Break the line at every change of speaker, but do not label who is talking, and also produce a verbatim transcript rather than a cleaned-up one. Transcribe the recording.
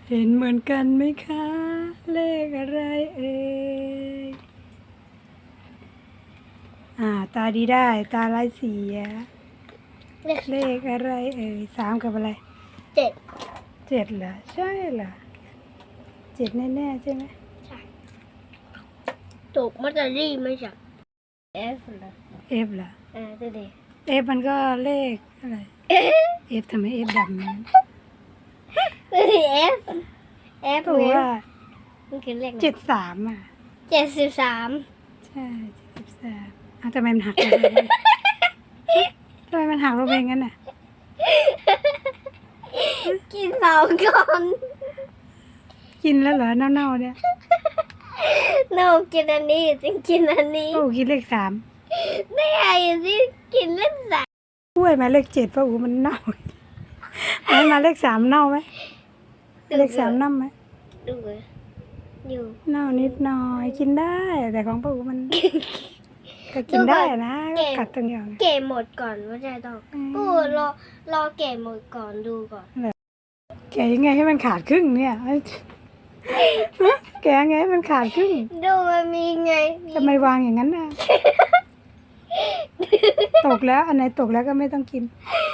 เห็นเหมือนกันไหมคะ เลขอะไรเอ่ยอ่า ตาดีได้ ตาลายเสีย
เลข
เลขอะไรเอ่ยสามกับอะไร
เจ็ด
เจ็ดเหรอ ใช่เหรอเจ็ดแน่ๆใช่ไหม
ใช่ถูกมัตเตอรี่ไม่ใช่เอฟเหรอ
เอฟเหรอ
เออดูดิ
เอฟมันก็เลขอะไรเอฟทำไมเอฟดำนั้น
ดูดิเอฟเอฟ
ก็ว่า
มันคือเลข
เจ็ดสามอ่ะ
เจ็ดสิบสาม
ใช่เจ็ดสิบสามอ้าวทำไมมันหักลงไปวะทำไมมันหักลงไปงั้นน่ะ
กินสองก่อน
กินแล้วเหรอเน่าๆเนี่ย
โนกินอันนี้จึงกินอันนี้
โอ้กินเลขสาม
ไม่ไอ้ที่กินเลขสาม
กล้วยมาเลขเจ็ดป้าอูมันเน่าไอ้มาเลขสามเน่าไหมเลขสามเน่าไหม
ดูเลยอยู่
เน่านิดหน่อยกินได้ แต่ของป้าอูมัน ก็กินได้นะก็กัดตรงเดียวไง
เก็บหมดก่อนว่าจะต้อง
อืม
ปูรอรอเก็บหมดก่อนดูก่อน
แกะยังไงให้มันขาดครึ่งเนี่ย แกะยังไงให้มันขาดครึ่ง
ดูมันมีไงมี
ทำไมวางอย่างนั้นน่ะ ตกแล้วอันไหนตกแล้วก็ไม่ต้องกิน